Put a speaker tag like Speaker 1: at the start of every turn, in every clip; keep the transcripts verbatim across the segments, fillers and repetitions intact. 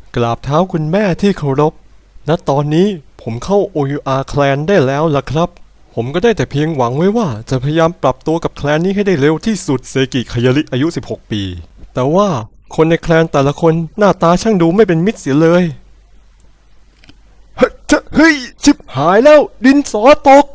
Speaker 1: กราบเท้าคุณแม่ที่เคารพณตอนนี้ผมเข้า โอ ยู อาร์ Clan ได้แล้วล่ะครับผมก็ได้แต่เพียงหวังไว้ว่าจะพยายามปรับตัวกับแคลนนี้ให้ได้เร็วที่สุดเซกิคายาริอายุสิบหกปีแต่ว่าคนในแคลนแต่ละคนหน้าตาช่างดูไม่เป็นมิตรเสียเลยเฮ้ยเฮ้ยชิบหายแล้วดินสอตก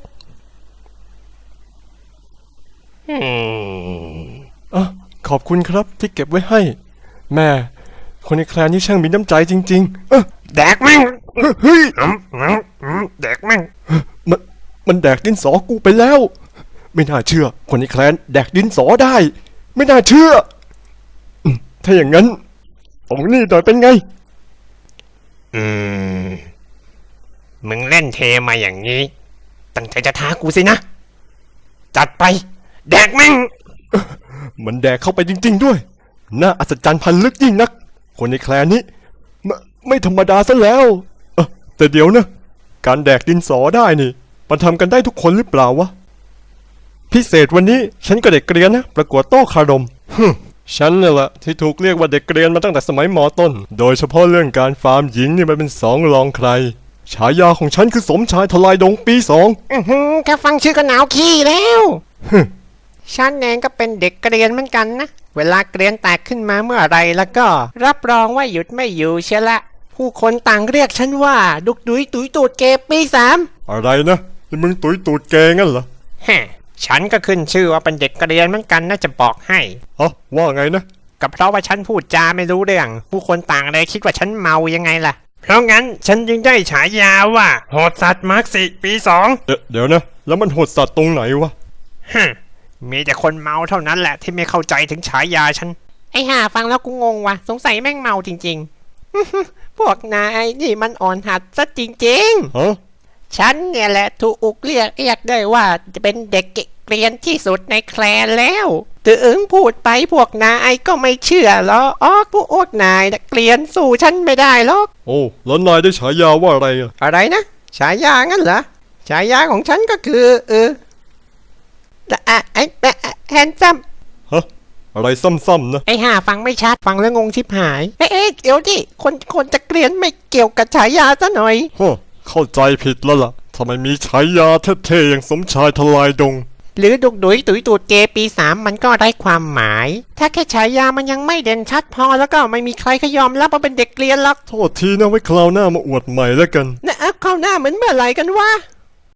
Speaker 1: อ่ะขอบคุณครับที่เก็บไว้ให้แม่คนในแคลนนี้ช่างมีน้ำใจจริงๆเออ
Speaker 2: แดกแม่ง
Speaker 1: เฮ้ย
Speaker 2: อืมอืมอืมแดกแม่ง
Speaker 1: มันมันแดกดินสอกูไปแล้วไม่น่าเชื่อคนในแคลนแดกดินสอได้ไม่น่าเชื่ออืมถ้าอย่างนั้นตรงนี้หน่อยเป็นไง
Speaker 2: อืมมึงเล่นเทมาอย่างนี้ตั้งใจจะท้ากูสินะจัดไปแดกแม่ง
Speaker 1: มันแดกเข้าไปจริงๆด้วยน่าอัศจรรย์พันลึกยิ่งนักคนในแคลนนี้ไม่ไม่ธรรมดาซะแล้วเออแต่เดี๋ยวนะการแดกดินสอได้นี่มันทำกันได้ทุกคนหรือเปล่าวะพิเศษวันนี้ฉันก็เด็กเกรียนนะประกวดโต้คารมฮึฉันเนี่ยแหละที่ถูกเรียกว่าเด็กเกรียนมาตั้งแต่สมัยมอต้นโดยเฉพาะเรื่องการฟาร์มหญิงนี่มันเป็นสองรองใครฉายาของฉันคือสมชายทลายดงปีสอง
Speaker 2: อื้อหือแค่ฟังชื่อก็หนาวขี้แล้วฉันเองก็เป็นเด็กเกรียนเหมือนกันนะเวลาเกรียนแตกขึ้นมาเมื่อไรแล้วก็รับรองว่าหยุดไม่อยู่เชียวละผู้คนต่างเรียกฉันว่าดุกดุยตุยตูดเกปีสาม
Speaker 1: อะไรนะนี่มึงตุยตูดแกงั้นเหรอ
Speaker 2: ฮะฉันก็ขึ้นชื่อว่าเป็นเด็กเกรียนเหมือนกันน่าจะบอกให้
Speaker 1: ฮะว่าไงนะ
Speaker 2: ก็เพราะว่าฉันพูดจาไม่รู้เรื่องผู้คนต่างเลยคิดว่าฉันเมายังไงล่ะเพราะงั้นฉันจึงได้ฉายาว่าโหดสัตว์มาร์กสิปีสอง
Speaker 1: เดี๋ยวเดี๋ยวนะแล้วมันโหดสัตว์ตรงไหนวะ
Speaker 2: ฮะมีแต่คนเมาเท่านั้นแหละที่ไม่เข้าใจถึงฉายาฉันไอ้ห่าฟังแล้วกูงงว่ะสงสัยแม่งเมาจริงๆ พวกนายนี่มันอ่อนหัดซะจริงๆ
Speaker 1: ฮะ
Speaker 2: ฉันเนี่ยแหละถูกอุกเรียกเรียกได้ว่าจะเป็นเด็กเกรียนที่สุดในแคลนแล้วถึงพูดไปพวกนายก็ไม่เชื่อหรอกอ๋อพวกนายเกรียนสู้ฉันไม่ได้หรอก
Speaker 1: โอ้แล้วนายได้ฉายาว่าอะไรอะ
Speaker 2: อะไรนะฉายางั้นเหรอฉายาของฉันก็คือเอออะไอ้แฮนซัม
Speaker 1: ฮะอะไรซ้ำๆนะ
Speaker 2: ไอ้ห่าฟังไม่ชัดฟังแล้วงงชิบหายเอ๊ะเดี๋ยวดิคนคนจะเกรียนไม่เกี่ยวกับฉายาซะหน่อย
Speaker 1: ฮะเข้าใจผิดแล้วล่ะทำไมมีฉายาเท่ๆอย่างสมชายทลายดง
Speaker 2: หรือดุกดุยตุยตูดเกปีสามมันก็ได้ความหมาย ถ้าแค่ฉายามันยังไม่เด่นชัดพอแล้วก็ไม่มีใครเขายอมรับว่าเป็นเด็กเกรียนหรอก
Speaker 1: โทษทีนะไว้คราวหน้ามาอวดใหม่แล้วกัน
Speaker 2: นะเอาเข้าหน้าเหมือนเมื่อไหร่กันวะ